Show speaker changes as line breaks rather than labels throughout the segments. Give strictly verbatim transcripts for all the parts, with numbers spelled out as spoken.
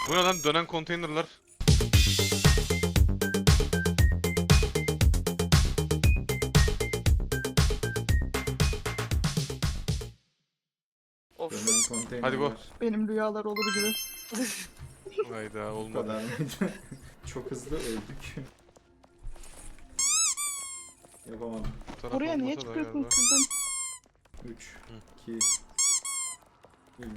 Bu ne lan, dönen konteynerlar.
Of.
Dönen konteynerler.
Hadi bu.
Benim rüyalar olur gibi.
Hayda,
Bu
olmadı.
kadar mıydı? Çok hızlı öldük. Yapamadım.
Bu taraf
Oraya niye
olmasa da
çıkıyorsun
galiba.
sizden?
üç, iki, bir.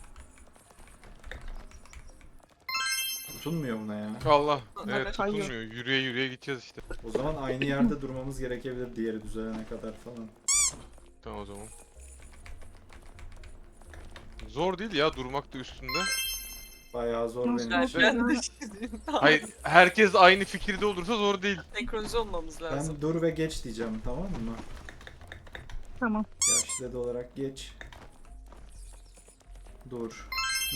Tutunmuyor buna ya.
Allah.
Evet,
Evet,
kayıyor.
tutulmuyor. Yürüye yürüye gideceğiz işte.
O zaman aynı yerde durmamız gerekebilir diğeri düzelene kadar falan.
Tamam o zaman. Zor değil ya durmak da üstünde.
Bayağı zor
Nasıl
benim
Ben,
için.
ben de
Hayır, herkes aynı fikirde olursa zor değil.
senkronize olmamız lazım.
Ben dur ve geç diyeceğim, tamam mı?
Tamam.
Yaşlı dede olarak geç. Dur.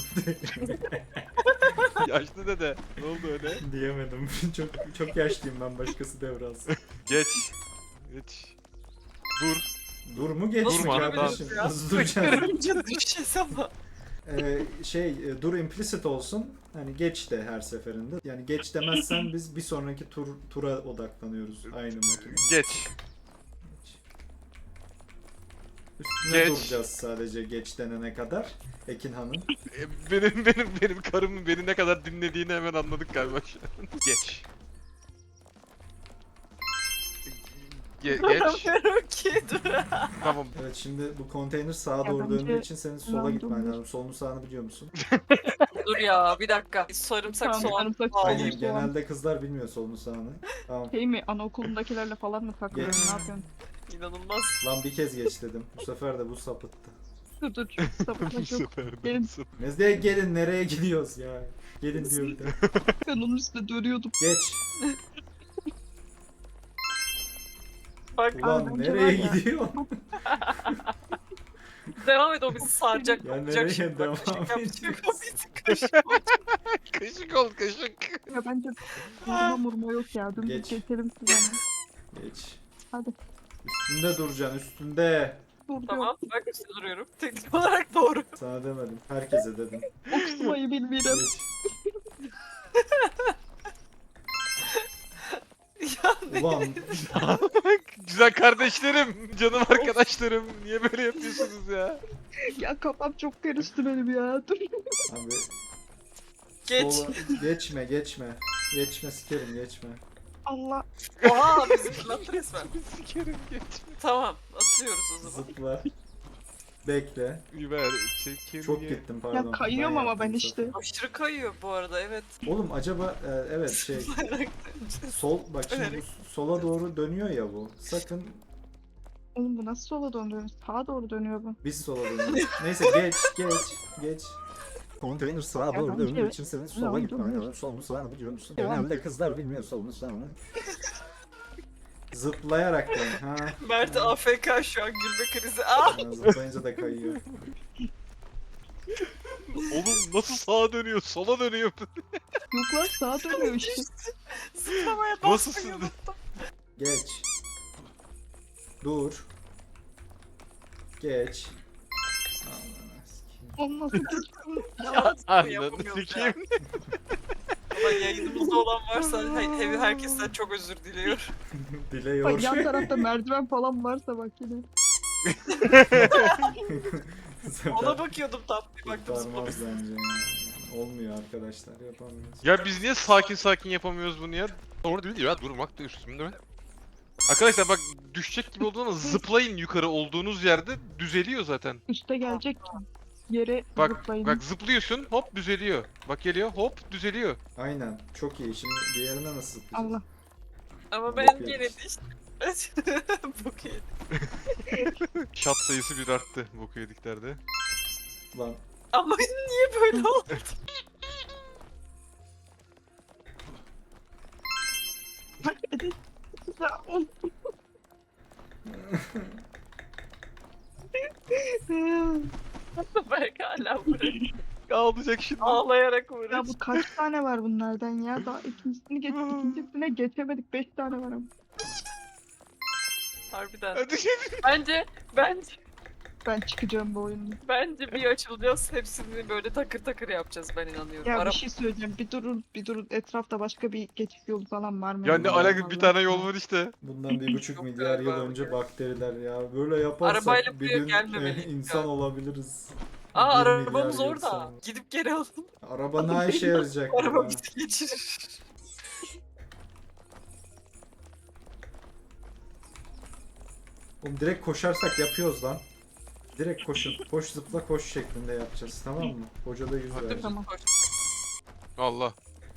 Yaşlı dede. Ne oldu öyle?
Diyemedim. çok çok yaşlıyım ben, başkası devralsın.
Geç. Geç. Dur.
Dur mu geç
Nasıl
mi
Durma,
kardeşim?
ya?
Nasıl duracağız?
Kırınca düşeceğiz ama.
Ee, şey e, dur implicit olsun. Hani geç de her seferinde. Yani geç demezsen biz bir sonraki tur tura odaklanıyoruz aynı motorun.
Geç.
Üstüne
Geç.
duracağız sadece geç denene kadar. Ekin Hanım.
E, Benim benim benim karımın beni ne kadar dinlediğini hemen anladık galiba şu an. Geç. Ge geç.
Duramıyorum ki dur.
Tamam.
Evet, şimdi bu konteyner sağa
Ya
doğru
bence
döndüğü için senin sola
ben
gitmen
durmuş.
lazım. Solunu sağını biliyor musun?
Dur ya bir dakika. Sarımsak
Tamam,
soğan.
sarımsak,
Aa,
Aynen,
soğan.
genelde kızlar bilmiyor solunu sağını. Tamam.
Şey mi, anaokulundakilerle falan mı takılıyorsun?
Geç.
Ne yapıyorsun?
İnanılmaz.
Lan bir kez geç dedim. Bu sefer de bu sapıttı.
Dur dur. Sapıkmak yok.
sefer
Gelin.
Nezleye gelin, nereye gidiyoruz ya? Gelin diyor bir de.
Ben onun üstüne dönüyordum.
Geç.
Bak
Ulan
bence var
nereye
ya.
gidiyor?
devam et, o bizi saracak.
Ya
kapacak
nereye
şimdi.
devam
Bak, kaşık yapacak,
edeceğiz?
o bizi kaşık.
Kaşık ol kaşık.
Ya bence vurma vurma yok ya. Dümdüz
Geç.
geçelim siz onu.
Geç.
Hadi.
Üstünde duracaksın, üstünde.
Dur dur.
Tamam bak üstüne duruyorum. Teknik olarak doğru.
Sana demedim. Herkese dedim.
O kısmayı bilmiyorum.
Geç.
Ya ne?
Ulan
Güzel kardeşlerim, canım arkadaşlarım. Niye böyle yapıyorsunuz ya?
Ya kafam çok karıştı benim ya. Dur.
abi.
Geç.
sola- geçme geçme. Geçme sikerim, geçme.
Allah.
Oha bizi fırlattı resmen.
Sikerim geç.
Tamam atlıyoruz o zaman.
Zıpla. Bekle.
Biber, çekirge.
Çok gittim, pardon.
Ya kayıyorum ama
yaptım
ben
bu
işte.
sefer.
Aşırı kayıyor bu arada, evet.
Oğlum acaba e, evet şey sol bak şimdi bu sola doğru dönüyor ya bu. Sakın
Oğlum bu nasıl sola döndürüyor? Sağa doğru dönüyor bu.
biz sola dönüyoruz. Neyse geç geç geç. Konteyner sağa
Ya
doğru
ben
döndüğü
şey-
için senin
Ya
sola
ben
gitmen
dönüyorum.
lazım. Solunu sağını biliyor musun?
Ya ben-
Genelde kızlar bilmiyor solunu sağını. Zıplayarak dön. Ha.
Mert A F K şu an, gülme krizi. Aa!
Ha, zıplayınca da kayıyor.
Oğlum nasıl sağa dönüyor, sola dönüyor.
Yok lan sağa dönüyor işte.
Zıplamaya
Nasıl
basmayı
sizde?
unuttum.
Geç. Dur. Geç. Allah'ını sikeyim.
Oğlum nasıl geçtim?
Ya
Anladın
yapamıyoruz ya.
sikeyim.
Ama yayınımızda olan varsa he- he- herkesten çok özür diliyor.
Diliyor.
Bak yan tarafta merdiven falan varsa bak yine.
Ona bakıyordum tam, bir baktım
Kurtarmaz
zıplamış.
bence ya. Olmuyor arkadaşlar, yapamıyoruz.
Ya biz niye sakin sakin yapamıyoruz bunu ya? Doğru değil ya, durmak da üstümde mi? Arkadaşlar bak, düşecek gibi olduğunda zıplayın, yukarı olduğunuz yerde düzeliyor zaten.
Üste gelecek ki. Yere
Bak
zıplayın.
bak zıplıyorsun, hop düzeliyor. Bak geliyor, hop düzeliyor.
Aynen, çok iyi. Şimdi diğerine nasıl zıplayacağız?
Allah.
Ama
Bok
ben
yedik.
gene de işte. Bok yedim.
Şat sayısı bir arttı boku yediklerde.
Lan
Ama niye böyle oldu?
Ya, oğlum.
Berk hala vuruyor.
Ağlayacak şimdi.
Ağlayarak vuruyor.
Ya bu kaç tane var bunlardan ya? Daha ikincisini geç, ikincisine geçemedik. Beş tane var ama.
Harbiden.
Hadi.
Bence, bence.
Ben çıkacağım bu oyundan.
Bence bir açılacağız, hepsini böyle takır takır yapacağız, ben inanıyorum.
Ya
Ara-
bir şey söyleyeceğim. Bir durun, bir durun. Etrafta başka bir geçiş yolu falan var mı?
Ya ne
Allah
alaka, bir
Allah.
tane yol var işte.
Bundan bir buçuk
Yok
milyar yıl
galiba.
önce bakteriler ya. Böyle yaparsak
Arabayla
bir
buraya
gün
gelmemeliydik
eh, insan
ya.
olabiliriz.
Aa,
Bir milyar
arabamız
yıl
orada.
sonra.
Gidip geri alalım.
Araba ne işe yarayacak ya?
Araba bizi geçirir.
Oğlum direkt koşarsak yapıyoruz lan. Direkt koşun. Koş zıpla koş şeklinde yapacağız, tamam mı? Hoca da yüz
Hadi.
verecek.
Tamam.
Allah.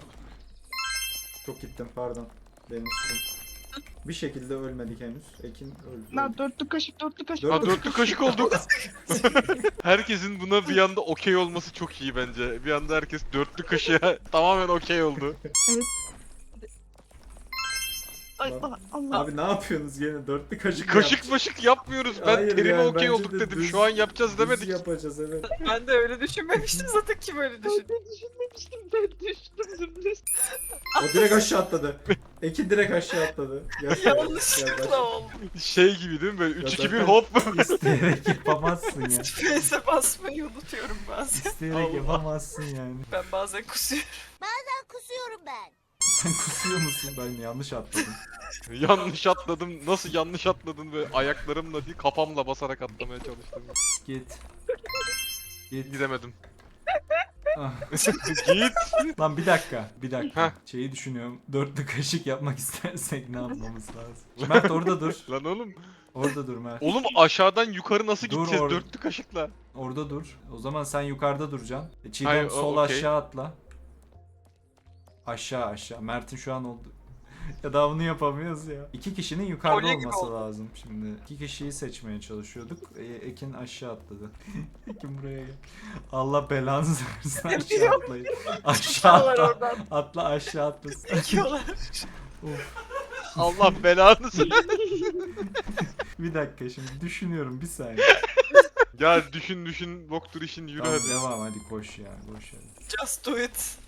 Çok gittim, pardon. Benim suçum. Bir şekilde ölmedik henüz. Ekin öldü.
Lan dörtlü kaşık, dörtlü kaşık.
Dört-
Ha dörtlü kaşık olduk. Herkesin buna bir anda okey olması çok iyi bence. Bir anda herkes dörtlü kaşığa tamamen okey oldu.
Evet. Ay
Lan.
Allah.
Abi ne yapıyorsunuz gene? Dörtlü kaşık
Kaşık maşık yapmıyoruz. Ben
Hayır
terime
yani,
okey
bence
olduk
de
dedim.
düz-
Şu an yapacağız
Biz
demedik.
yapacağız, evet.
Ben de öyle düşünmemiştim zaten, kim öyle
Ben
düşün.
de düşünmemiştim. Ben düştüm dümdüz.
O direkt aşağı atladı. Ekin direkt aşağı atladı. Gel şuraya, gel
Yanlışlıkla
başla.
oldu.
Şey gibi değil mi böyle üç iki bir
zaten-
hop.
İsteyerek yapamazsın ya.
Space'e basmayı unutuyorum bazen.
İsteyerek
Allah.
yapamazsın yani.
Ben bazen kusuyorum.
Kusuyorum ben.
Sen kusuyor musun? Ben yanlış atladım.
Yanlış atladım. Nasıl yanlış atladın ve ayaklarımla değil kafamla basarak atlamaya çalıştım.
Git. Git.
Gidemedim.
Ah.
Git.
Lan bir dakika, bir dakika.
Heh.
Şeyi düşünüyorum. Dörtlü kaşık yapmak istersek ne yapmamız lazım? Mert orada dur.
Lan oğlum.
Orada dur Mert.
Oğlum aşağıdan yukarı nasıl
Dur
gideceğiz
orada.
dörtlü kaşıkla?
Orada dur. O zaman sen yukarıda duracaksın. E, Çiğdem
Hayır, o-
sol
okey.
aşağı atla. Aşağı aşağı. Mert'in şu an oldu. Ya daha bunu yapamıyoruz ya. İki kişinin yukarıda
Kolye gibi
olması
oldu.
lazım şimdi. İki kişiyi seçmeye çalışıyorduk. E, Ekin aşağı atladı. Ekin buraya gel. Allah belanızı versin, aşağı atlayın. Aşağı
Çıkıyorlar
atla.
oradan.
Atla aşağı atlasın.
Çıkıyorlar.
Of.
Allah belanı sen.
Bir dakika şimdi düşünüyorum, bir saniye.
Ya düşün düşün boktur işin yürü
Tamam,
hadi.
devam hadi, koş ya, koş hadi.
Just do it.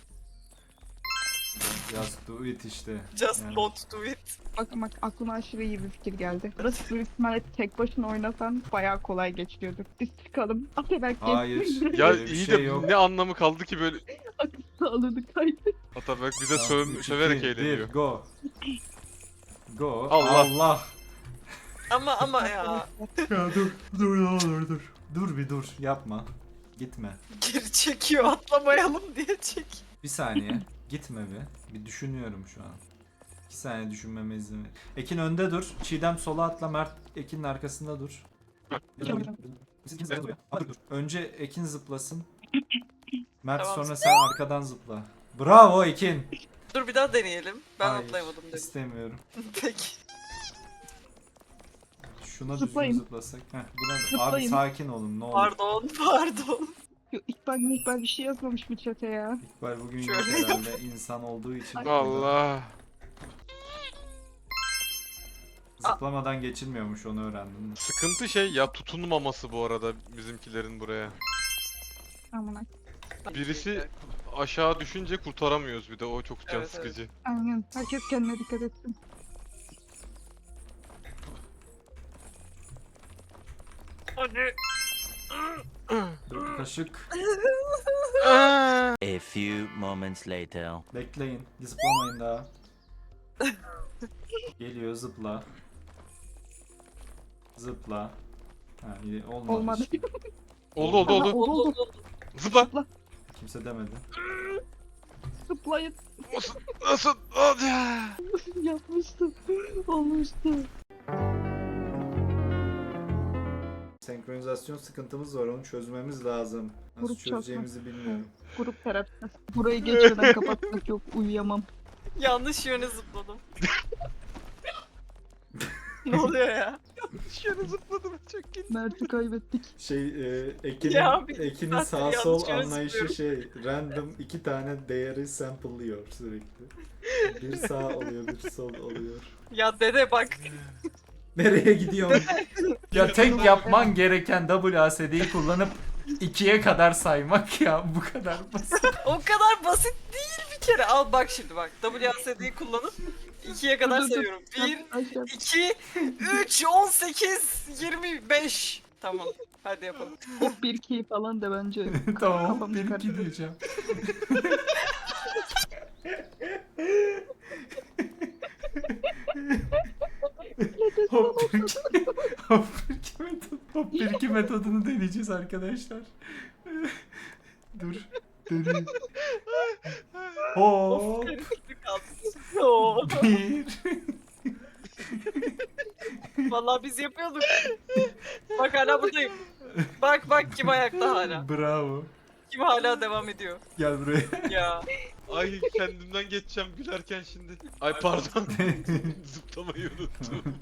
Just do it işte.
Just
Yani.
don't do it.
Bak bak aklıma aşırı iyi bir fikir geldi. Burası Chris Mallet tek başına oynasan bayağı kolay geçiliyordur. Biz çıkalım. Atabek
Hayır.
Ya
Böyle bir
iyi
şey
de
yok.
ne anlamı kaldı ki böyle
Akıl sağlığını kaybet.
Atabek bize
Tamam,
söv
üç,
söverek
iki,
eğleniyor.
bir, go. Go.
Allah.
Allah.
Ama ama ya.
Ya dur, dur ne olur dur. Dur bir dur, yapma. Gitme.
Geri çekiyor, atlamayalım diye çek.
Bir saniye. Gitme bir. Bir düşünüyorum şu an. İki saniye düşünmeme izin ver. Ekin önde dur. Çiğdem sola atla. Mert Ekin'in arkasında dur. Siz ikiniz de dur ya. Dur dur. Önce Ekin zıplasın. Mert
Tamam.
sonra sen arkadan zıpla. Bravo Ekin.
Dur bir daha deneyelim. Ben
Hayır,
atlayamadım dedim.
İstemiyorum.
Peki.
Şuna
Zıplayın.
düzgün zıplasak. Heh, buna da- Abi
Zıplayın.
sakin olun ne olur.
Pardon, pardon.
Yo, İkbal İkbal bir şey yazmamış mı chat'e ya?
İkbal bugün yok
Şöyle.
herhalde insan olduğu için.
Ay.
Allah.
Zıplamadan geçilmiyormuş, onu öğrendim. mi?
Sıkıntı şey ya tutunmaması bu arada bizimkilerin buraya.
Aman
Birisi aşağı düşünce kurtaramıyoruz bir de o çok can
Evet, evet.
sıkıcı.
aynen. Herkes kendine dikkat etsin.
Hadi.
Dört kaşık.
A few moments later.
Bekleyin. Zıplamayın daha. Geliyor, zıpla. Zıpla. Ha, iyi, olmadı.
Olmadı.
işte.
Oldu oldu
Aha,
oldu.
Oldu oldu oldu.
Zıpla.
Zıpla.
Kimse demedi.
Zıplayın.
Nasıl? Nasıl? Hadi.
Yapmıştım. Olmuştu.
Senkronizasyon sıkıntımız var, onu çözmemiz lazım. Nasıl
Grup
çözeceğimizi bilmiyorum.
Grup terapisi. Burayı geçmeden kapatmak yok. Uyuyamam.
Yanlış yöne zıpladım. Ne oluyor ya?
Şöyle zıpladım çok kötü.
Mert'i kaybettik.
Şey, e, Ekin'in,
Ya bir
Ekin'in
saattir
sağ
yanlış
sol
yöne
anlayışı
zıplıyorum.
şey, random iki tane değeri sample'lıyor sürekli. Bir sağ oluyor, bir sol oluyor.
Ya dede bak.
Nereye gidiyorsun? Ya tek yapman gereken W A S D'yi kullanıp ikiye kadar saymak ya, bu kadar basit.
O kadar basit değil bir kere. Al bak şimdi bak. W A S D'yi kullanıp ikiye kadar
Dur, dur, dur.
sayıyorum. bir,
Aşağı.
iki, üç, on sekiz, yirmi beş. Tamam. Hadi yapalım.
Hop bir iki falan da bence.
Tamam
Kafamı
bir iki
karıştırdı.
diyeceğim. Hop bir iki, hop bir iki metod, hop bir iki metodunu deneyeceğiz arkadaşlar. Dur. Deneyim. Hop
Karışıklık kaldı. Oo.
bir.
Vallahi biz yapıyorduk. Bak hala buradayım. Bak bak kim ayakta hala.
Bravo.
Kim hala devam ediyor.
Gel buraya.
Ya.
Ay kendimden geçeceğim gülerken şimdi. Ay pardon. Zıplamayı unuttum.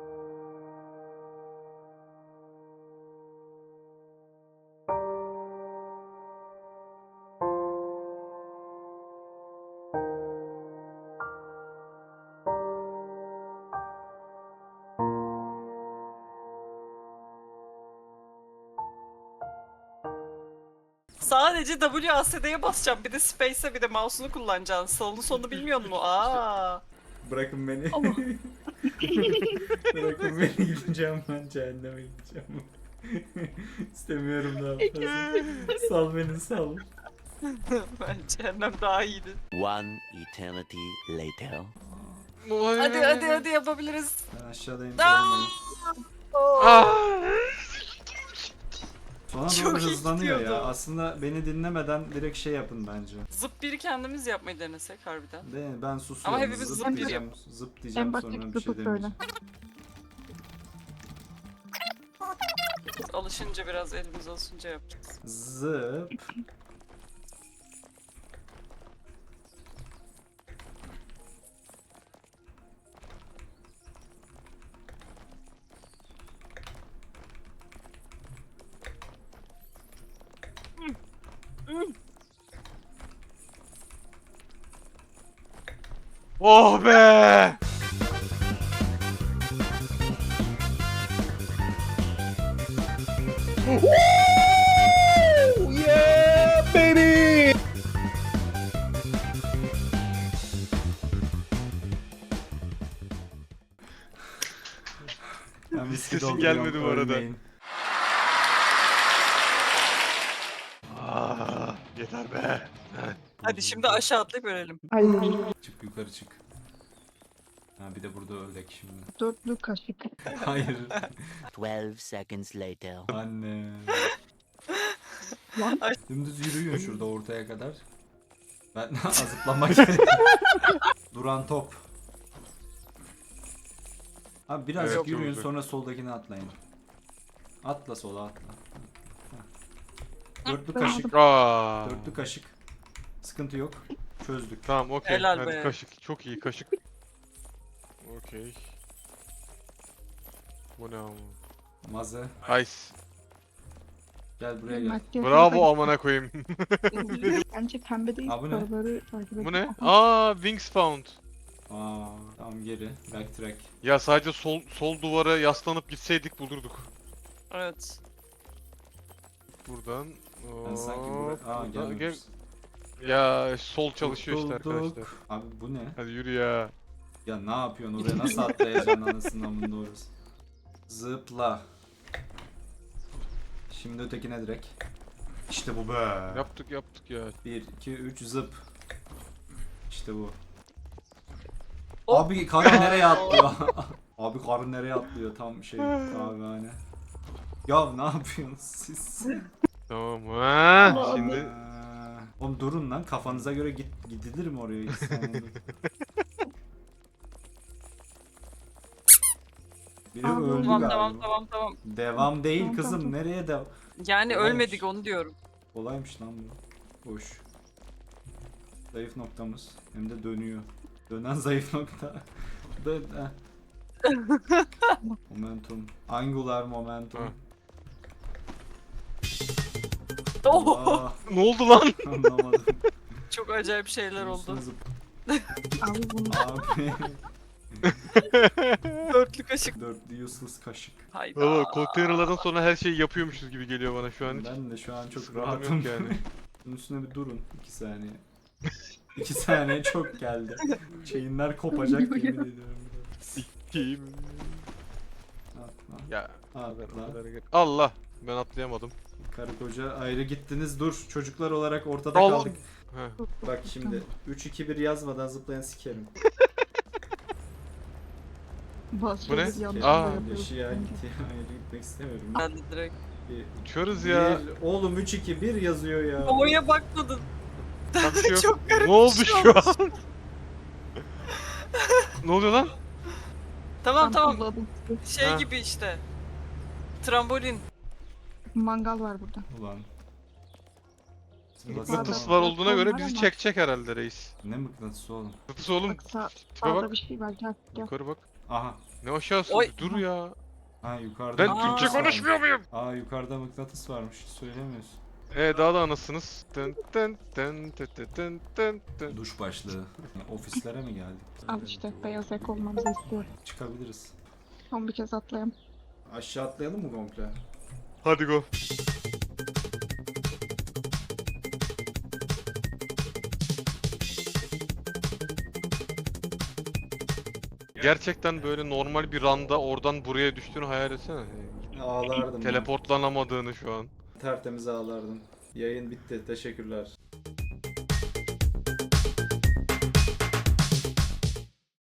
Sadece W A S D'ye basacağım. Bir de Space'e bir de mouse'unu kullanacaksın. Solunu sonunu bilmiyor musun? Aa.
Bırakın beni.
Allah.
Bırakın beni gideceğim ben cehenneme gideceğim. İstemiyorum daha fazla. Sal beni sal.
Ben cehennem daha iyiydi.
One eternity later.
Hadi hadi hadi yapabiliriz.
Ben aşağıdayım.
Aa!
sormayın.
Oo.
Ah!
Sona
Çok
doğru
iyi
hızlanıyor ya.
gidiyordu.
Aslında beni dinlemeden direkt şey yapın bence.
Zıp biri kendimiz yapmayı denesek harbiden.
De, ben susuyorum.
Ama hepimiz
zıp
zıp bir
diyeceğim, zıp diyeceğim
En
sonra
baştaki
bir şey
zıpı söyle.
demeyeceğim.
Alışınca biraz elimiz alışınca yapacağız.
Zıp.
Oh be!
Ben viski
Sesin
dolduruyorum,
gelmedi bu arada.
ölmeyin.
Ah, yeter be.
Hadi şimdi aşağı atlayıp ölelim.
Ay
Çık yukarı çık. Ha bir de burada öldük şimdi.
dörtlü kaşık.
Hayır.
Twelve seconds later.
Anne.
Lan.
Dümdüz yürüyün şurada ortaya kadar. Ben zıplamak. Duran top. Abi birazcık
Evet,
yürüyün
olacak.
sonra soldakine atlayın. Atla sola atla. Heh. Dörtlü kaşık.
Aa.
Dörtlü kaşık. Sıkıntı yok. Çözdük.
Tamam okey.
Helal
Hadi
be.
kaşık. Çok iyi kaşık. Okey. Bu ne ama?
Maze.
Ice.
Gel buraya gel.
Bravo amına koyayım.
Bence pembe değil.
Aa, bu ne?
Sarıları takip
Bu
edin.
ne?
Aha.
Aa, Wings found.
Aa, tamam geri. Backtrack.
Ya sadece sol sol duvara yaslanıp gitseydik bulurduk.
Evet.
Buradan.
Ben sanki buraya...
hop,
Aa
buradan-
gelmemiş.
Ya sol çalışıyor işte
Bulduk.
arkadaşlar.
Abi bu ne?
Hadi yürü ya.
Ya ne yapıyorsun oraya nasıl atlayacaksın anasından bunu doğrusu. Zıpla. Şimdi ötekine direkt. İşte bu be.
Yaptık yaptık ya.
bir, iki, üç zıp. İşte bu.
Hop.
Abi karı nereye atlıyor? Abi karı nereye atlıyor tam şey kahvehane. Ya ne yapıyorsunuz siz?
Tamam ha.
Allah
Şimdi
Aa, Oğlum durun lan kafanıza göre git gidilir mi oraya İstanbul'da? Biri
Abi,
öldü
Tamam
galiba.
tamam tamam tamam.
Devam değil
Tamam,
kızım
tamam.
nereye devam?
Yani
Kolaymış.
ölmedik onu diyorum.
Kolaymış lan bu. Boş. Zayıf noktamız. Hem de dönüyor. Dönen zayıf nokta. Dön. heh. Momentum. Angular momentum.
Ha.
Oh,
Allah,
ne oldu lan?
anlamadım.
çok acayip şeyler oldu.
Üstünüzü-
Abi bunu
Abi.
Dörtlü kaşık.
Dörtlü useless kaşık.
Hayda.
Valla konteynerlardan sonra her şeyi yapıyormuşuz gibi geliyor bana şu an hiç.
Ben de şu an çok
Sıkıntım
rahatım.
yok yani.
Bunun üstüne bir durun. iki saniye. iki saniye çok geldi. Çeyinler kopacak yemin ediyorum.
Kim?
Atla.
Ya.
Atla.
Allah. Ben atlayamadım.
Karı koca ayrı gittiniz. Dur çocuklar olarak ortada
Allah.
kaldık.
Heh.
Bak şimdi üç iki bir yazmadan zıplayan sikerim.
Bazı
Bu ne?
şeyleri yanlış
Aa.
yapıyoruz.
Yaşı ya
bence.
gitti ya. Ayrı gitmek istemiyorum.
Ben de direkt.
Bir,
Uçuyoruz ya.
bir- oğlum üç iki bir yazıyor ya.
Havaya bakmadın.
Tam bir şey yok.
Çok garip
Ne oldu
bir şey
şu
olmuş.
an? Ne oluyor lan?
Tamam
Ben
tamam.
kullandım.
Şey
Ha.
gibi işte. Trambolin.
Mangal var burada.
Ulan.
Mıknatıs
Zıplasana.
Mıknatıs var olduğuna göre
Var
bizi
ama-
çekecek herhalde reis.
Ne mıknatısı oğlum?
Mıknatıs oğlum.
Bak sağ,
Tipe
sağda
bak.
bir şey var. Gel gel.
Yukarı bak.
Aha.
Ne aşağısı?
Oy.
Dur ya.
Ha yukarıda
Ben
Aa.
mıknatıs
Türkçe
varmış.
konuşmuyor muyum?
Aa yukarıda mıknatıs varmış. Hiç söylemiyorsun.
Ee daha da anasınız. Tın tın tın tın tın tın tın tın.
Duş başlığı. Ofislere mi geldik?
Al işte beyaz ek olmamızı istiyor.
Çıkabiliriz.
Son bir kez atlayalım.
Aşağı atlayalım mı komple?
Hadi go. Gerçekten böyle normal bir randa oradan buraya düştüğünü hayal etsene.
Ağlardım. ben.
Teleportlanamadığını şu an.
Tertemiz ağlardım. Yayın bitti. Teşekkürler.